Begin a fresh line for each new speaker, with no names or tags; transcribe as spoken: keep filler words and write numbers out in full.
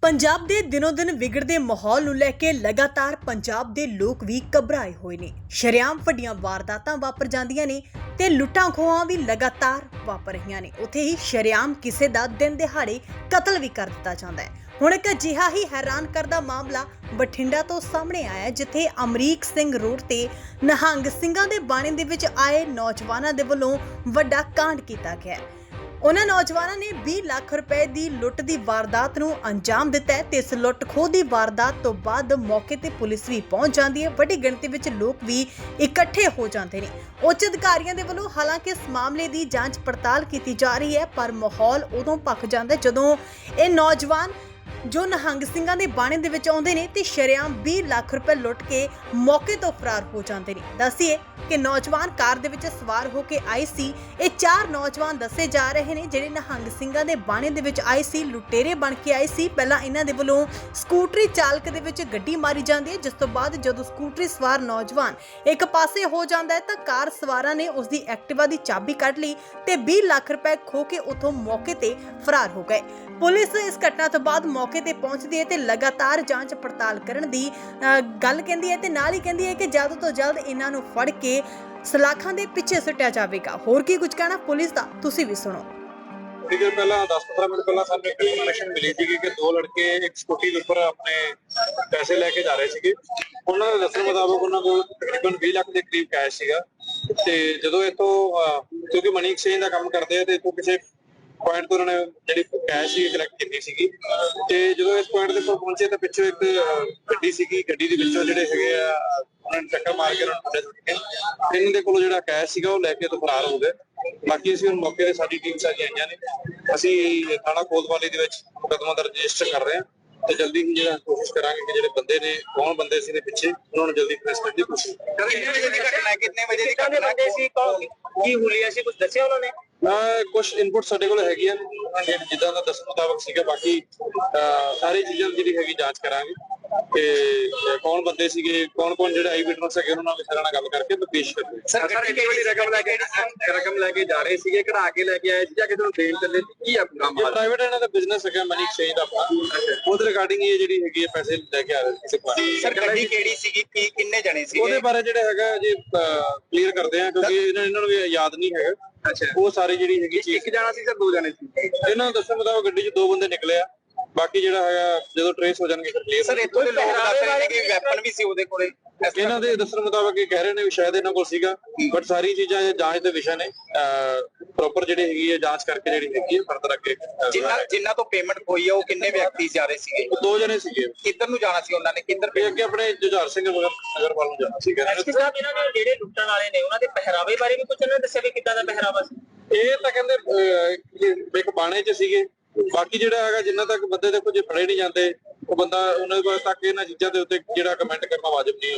ਪੰਜਾਬ ਦੇ ਦਿਨੋਂ ਦਿਨ ਵਿਗੜਦੇ ਮਾਹੌਲ ਨੂੰ ਲੈ ਕੇ ਲਗਾਤਾਰ ਪੰਜਾਬ ਦੇ ਲੋਕ ਵੀ ਘਬਰਾਏ ਹੋਏ ਨੇ। ਸ਼ਰੇਆਮ ਵੱਡੀਆਂ ਵਾਰਦਾਤਾਂ ਵਾਪਰ ਜਾਂਦੀਆਂ ਨੇ ਤੇ ਲੁੱਟਾਂ ਖੋਹਾਂ ਵੀ ਲਗਾਤਾਰ ਵਾਪਰ ਰਹੀਆਂ ਨੇ। ਉੱਥੇ ਹੀ ਸ਼ਰੇਆਮ ਕਿਸੇ ਦਾ ਦਿਨ ਦਿਹਾੜੇ ਕਤਲ ਵੀ ਕਰ ਦਿੱਤਾ ਜਾਂਦਾ ਹੈ। ਹੁਣ ਇੱਕ ਅਜਿਹਾ ਹੀ ਹੈਰਾਨ ਕਰਦਾ ਮਾਮਲਾ ਬਠਿੰਡਾ ਤੋਂ ਸਾਹਮਣੇ ਆਇਆ, ਜਿੱਥੇ ਅਮਰੀਕ ਸਿੰਘ ਰੋਡ ਤੇ ਨਿਹੰਗ ਸਿੰਘਾਂ ਦੇ ਬਾਣੇ ਦੇ ਵਿੱਚ ਆਏ ਨੌਜਵਾਨਾਂ ਦੇ ਵੱਲੋਂ ਵੱਡਾ ਕਾਂਡ ਕੀਤਾ ਗਿਆ। ਉਹਨਾਂ ਨੌਜਵਾਨਾਂ ਨੇ ਵੀਹ ਲੱਖ ਰੁਪਏ ਦੀ ਲੁੱਟ ਦੀ ਵਾਰਦਾਤ ਨੂੰ ਅੰਜਾਮ ਦਿੱਤਾ ਹੈ ਤੇ ਇਸ ਲੁੱਟ ਖੋਹ ਦੀ ਵਾਰਦਾਤ ਤੋਂ ਬਾਅਦ ਮੌਕੇ ਤੇ ਪੁਲਿਸ ਵੀ ਪਹੁੰਚ ਜਾਂਦੀ ਹੈ। ਵੱਡੀ ਗਿਣਤੀ ਵਿੱਚ ਲੋਕ ਵੀ ਇਕੱਠੇ ਹੋ ਜਾਂਦੇ ਨੇ। ਉੱਚ ਅਧਿਕਾਰੀਆਂ ਦੇ ਵੱਲੋਂ ਹਾਲਾਂਕਿ ਇਸ ਮਾਮਲੇ ਦੀ ਜਾਂਚ ਪੜਤਾਲ ਕੀਤੀ ਜਾ ਰਹੀ ਹੈ, ਪਰ ਮਾਹੌਲ ਉਦੋਂ ਭਖ ਜਾਂਦਾ ਜਦੋਂ ਇਹ ਨੌਜਵਾਨ ਜੋ ਨਿਹੰਗ ਸਿੰਘਾਂ ਦੇ ਬਾਣੇ ਦੇ ਵਿੱਚ ਆਉਂਦੇ ਨੇ ਤੇ ਸ਼ਰੇਆਮ ਵੀਹ ਲੱਖ ਰੁਪਏ ਲੁੱਟ ਕੇ ਮੌਕੇ ਤੋਂ ਫਰਾਰ ਹੋ ਜਾਂਦੇ ਨੇ। ਦੱਸੀਏ ਕਿ ਨੌਜਵਾਨ ਕਾਰ ਦੇ ਵਿੱਚ ਸਵਾਰ ਹੋ ਕੇ ਆਏ ਸੀ। ਇਹ ਚਾਰ ਨੌਜਵਾਨ ਦੱਸੇ ਜਾ ਰਹੇ ਨੇ ਜਿਹੜੇ ਨਿਹੰਗ ਸਿੰਘਾਂ ਦੇ ਬਾਣੇ ਦੇ ਵਿੱਚ ਆਏ ਸੀ, ਲੁਟੇਰੇ ਬਣ ਕੇ ਆਏ ਸੀ। ਪਹਿਲਾਂ ਇਹਨਾਂ ਦੇ ਵੱਲੋਂ ਸਕੂਟਰੀ ਚਾਲਕ ਦੇ ਵਿੱਚ ਗੱਡੀ ਮਾਰੀ ਜਾਂਦੀ ਹੈ, ਜਿਸ ਤੋਂ ਬਾਅਦ ਜਦੋਂ ਸਕੂਟਰੀ ਸਵਾਰ ਨੌਜਵਾਨ ਇੱਕ ਪਾਸੇ ਹੋ ਜਾਂਦਾ ਹੈ ਤਾਂ ਕਾਰ ਸਵਾਰਾਂ ਨੇ ਉਸ ਦੀ ਐਕਟਿਵਾ ਦੀ ਚਾਬੀ ਕੱਢ ਲਈ ਤੇ ਵੀਹ ਲੱਖ ਰੁਪਏ ਖੋਹ ਕੇ ਉੱਥੋਂ ਮੌਕੇ ਤੇ ਫਰਾਰ ਹੋ ਗਏ। ਪੁਲਿਸ ਇਸ ਘਟਨਾ ਤੋਂ ਬਾਅਦ ਮੌਕੇ ਤੇ ਪਹੁੰਚਦੀ ਹੈ ਤੇ ਲਗਾਤਾਰ ਜਾਂਚ ਪੜਤਾਲ ਕਰਨ ਦੀ ਗੱਲ ਕਹਿੰਦੀ ਹੈ ਤੇ ਨਾਲ ਹੀ ਕਹਿੰਦੀ ਹੈ ਕਿ ਜਲਦ ਤੋਂ ਜਲਦ ਇਹਨਾਂ ਨੂੰ ਫੜ ਕੇ ਸਲਾਖਾਂ ਦੇ ਪਿੱਛੇ ਸੁੱਟਿਆ ਜਾਵੇਗਾ। ਹੋਰ ਕੀ ਕੁਝ ਕਹਿਣਾ ਪੁਲਿਸ ਦਾ, ਤੁਸੀਂ ਵੀ ਸੁਣੋ।
ठीक है, पहला दस पंद्रह मिनट पहला सानू एक इन्फॉर्मेशन मिली थी कि दो लड़के एक स्कूटी के ऊपर अपने पैसे लेके जा रहे थे। उन्होंने दस्सण मुताबिक उन्होंने को तकरीबन बीस लाख के करीब कैश सीगा ते जदों इथों क्योंकि मनी एक्सचेंज का काम करते हैं तो इथों किसी पॉइंट तो उन्होंने जिहड़ी कैश ही कलैक्ट की सीगी ते जदों इस पॉइंट ते पहुंचे तो पिछों एक गड्डी सीगी, गड्डी दे विचों जिहड़े हैगे आ उन्होंने टक्कर मार के उन्होंने सुੱਟ ਕੇ ਇਹਨਾਂ ਦੇ ਕੋਲੋਂ ਜਿਹੜਾ ਕੈਸ਼ ਸੀਗਾ ਉਹ ਲੈ ਕੇ ਤੋਂ ਫਰਾਰ ਹੋ ਗਏ। ਬਾਕੀ ਅਸੀਂ ਹੁਣ ਮੌਕੇ ਤੇ ਸਾਡੀ ਟੀਮ ਸਾਰੀਆਂ ਆਈਆਂ ਨੇ, ਅਸੀਂ ਥਾਣਾ ਕੋਤਵਾਲੀ ਦੇ ਵਿੱਚ ਮੁਕੱਦਮਾ ਦਰਜ ਰਜਿਸਟਰ ਕਰ ਰਹੇ ਹਾਂ ਤੇ ਜਲਦੀ ਹੀ ਜਿਹੜਾ ਕੋਸ਼ਿਸ਼ ਕਰਾਂਗੇ ਕਿ ਜਿਹੜੇ ਬੰਦੇ ਨੇ ਕੌਣ ਬੰਦੇ ਸੀ ਦੇ ਪਿੱਛੇ ਉਹਨਾਂ ਨੂੰ ਜਲਦੀ ਅਰੈਸਟ ਕਰਨ ਦੀ ਕੋਸ਼ਿਸ਼ ਕਰਾਂਗੇ। ਕਿੰਨੇ ਵਜੇ ਦੀ ਘਟਨਾ ਹੈ, ਕਿੰਨੇ ਵਜੇ ਦੀ ਘਟਨਾ ਸੀ, ਕੀ ਹੁਲੀਆ ਸੀ, ਕੁਝ ਦੱਸਿਆ ਉਹਨਾਂ ਨੇ? ਕੁਝ ਇਨਪੁਟ ਸਾਡੇ ਕੋਲ ਹੈਗੀਆਂ ਜਿੱਦਾਂ ਦਾ ਦੱਸਣ ਮੁਤਾਬਕ ਸੀਗਾ। ਬਾਕੀ ਸਾਰੀ ਚੀਜ਼ਾਂ ਜਿਹੜੀ ਹੈਗੀ ਜਾਂਚ ਕਰਾਂਗੇ ਤੇ ਕੌਣ ਬੰਦੇ ਸੀਗੇ, ਕੌਣ ਕੌਣ ਜਿਹੜੇ ਆਈ ਵਿਟਨੈਸ ਹੈਗੇ ਉਹਨਾਂ ਨਾਲ ਸਾਰਾ ਨਾਲ ਗੱਲ ਕਰਕੇ ਤੇ ਪੇਸ਼ ਕਰਾਂਗੇ। ਸਰ ਕਿੰਨੀ ਵੱਡੀ ਰਕਮ ਲੈ ਕੇ ਰਕਮ ਲੈ ਕੇ ਜਾ ਰਹੇ ਸੀਗੇ, ਕਢਾ ਕੇ ਲੈ ਕੇ ਆਏ ਸੀ ਜਾਂ ਕਿਸੇ ਨੂੰ ਦੇਣ ਚੱਲੇ ਸੀ, ਕੀ ਆ ਕੰਮ? ਪ੍ਰਾਈਵੇਟ ਇਹਨਾਂ ਦਾ ਬਿਜ਼ਨਸ ਹੈਗਾ ਮਨੀ ਐਕਸਚੇਂਜ ਦਾ ਆਪਣਾ, ਉਹਦੇ ਰਿਗਾਰਡਿੰਗ ਇਹ ਜਿਹੜੀ ਹੈਗੀ ਹੈ ਪੈਸੇ ਲੈ ਕੇ ਆ ਰਹੇ ਕਿਸੇ ਕੋਲ। ਸਰ ਗੱਡੀ ਕਿਹੜੀ ਸੀਗੀ, ਕੀ ਕਿੰਨੇ ਜਣੇ ਸੀਗੇ ਉਹਦੇ ਬਾਰੇ ਜਿਹੜਾ ਹੈਗਾ ਜੀ ਕਲੀਅਰ ਕਰਦੇ ਆ ਕਿਉਂਕਿ ਇਹਨਾਂ ਨੂੰ ਵੀ ਯਾਦ ਨਹੀਂ ਹੈਗਾ। ਅੱਛਾ, ਉਹ ਸਾਰੇ ਜਿਹੜੀ ਹੈਗੀ ਚੀਜ਼ ਇੱਕ ਜਾਣਾ ਸੀ ਸਰ ਦੋ ਜਣੇ ਸੀ ਇਹਨਾਂ ਨੂੰ ਦੱਸਣ ਮੁਤਾਬਕ ਗੱਡੀ 'ਚ ਦੋ ਬੰਦੇ ਨਿਕਲੇ ਆ। ਬਾਕੀ ਜਿਹੜਾ ਹੈਗਾ ਜਦੋਂ ਟ੍ਰੇਸ ਹੋ ਜਾਣਗੇ ਫਿਰ ਕਲੀਅਰ। ਸਰ ਇੱਥੋਂ ਦੇ ਲੋਕ ਦੱਸ ਰਹੇ ਨੇ ਕਿ ਵੈਪਨ ਵੀ ਸੀ ਉਹਦੇ ਕੋਲੇ, ਇਹਨਾਂ ਦੇ ਦੱਸਣ ਮੁਤਾਬਕ ਇਹ ਕਹਿ ਰਹੇ ਨੇ ਵੀ ਸ਼ਾਇਦ ਇਹਨਾਂ ਕੋਲ ਸੀਗਾ, ਬਟ ਸਾਰੀ ਚੀਜ਼ਾਂ ਜਾਂਚ ਦੇ ਵਿਸ਼ਾ ਨੇ। ਪ੍ਰੋਪਰ ਜਿਹੜੀ ਹੈਗੀ ਹੈ ਜਾਂਚ ਕਰਕੇ ਜਿਹੜੀ ਹੈਗੀ ਹੈ ਫਰਦਰ ਅੱਗੇ ਜਿੰਨਾ ਜਿੰਨਾ ਤੋਂ ਪੇਮੈਂਟ ਹੋਈ ਹੈ ਉਹ ਕਿੰਨੇ ਵਿਅਕਤੀ ਜਾ ਰਹੇ ਸੀਗੇ? ਦੋ ਜਣੇ ਸੀਗੇ। ਕਿੱਧਰ ਨੂੰ ਜਾਣਾ ਸੀ ਉਹਨਾਂ ਨੇ, ਕਿੱਧਰ? ਅੱਗੇ ਆਪਣੇ ਜੁਝਾਰ ਸਿੰਘ ਨਗਰ ਵੱਲ ਨੂੰ ਜਾਣਾ ਸੀਗਾ। ਇਹਨਾਂ ਦੇ ਜਿਹੜੇ ਲੁੱਟਣ ਵਾਲੇ ਨੇ ਉਹਨਾਂ ਦੇ ਪਹਿਰਾਵੇ ਬਾਰੇ ਵੀ ਕੁਝ ਉਹਨਾਂ ਨੇ ਦੱਸਿਆ ਵੀ ਕਿੱਦਾਂ ਦਾ ਪਹਿਰਾਵਾ ਸੀ? ਇਹ ਤਾਂ ਕਹਿੰਦੇ ਇੱਕ ਬਾਣੇ 'ਚ ਸੀਗੇ। ਬਾਕੀ ਜਿਹੜਾ ਹੈਗਾ ਜਿੰਨਾ ਤੱਕ ਬੰਦੇ ਦੇਖੋ ਜੇ ਫੜੇ ਨਹੀਂ ਜਾਂਦੇ ਉਹ ਬੰਦਾ ਉਹਨਾਂ ਤੱਕ ਇਹਨਾਂ ਚੀਜ਼ਾਂ ਦੇ ਉੱਤੇ ਜਿਹੜਾ ਕਮੈਂਟ ਕਰਨਾ ਵਾਜਬ ਨਹੀਂ।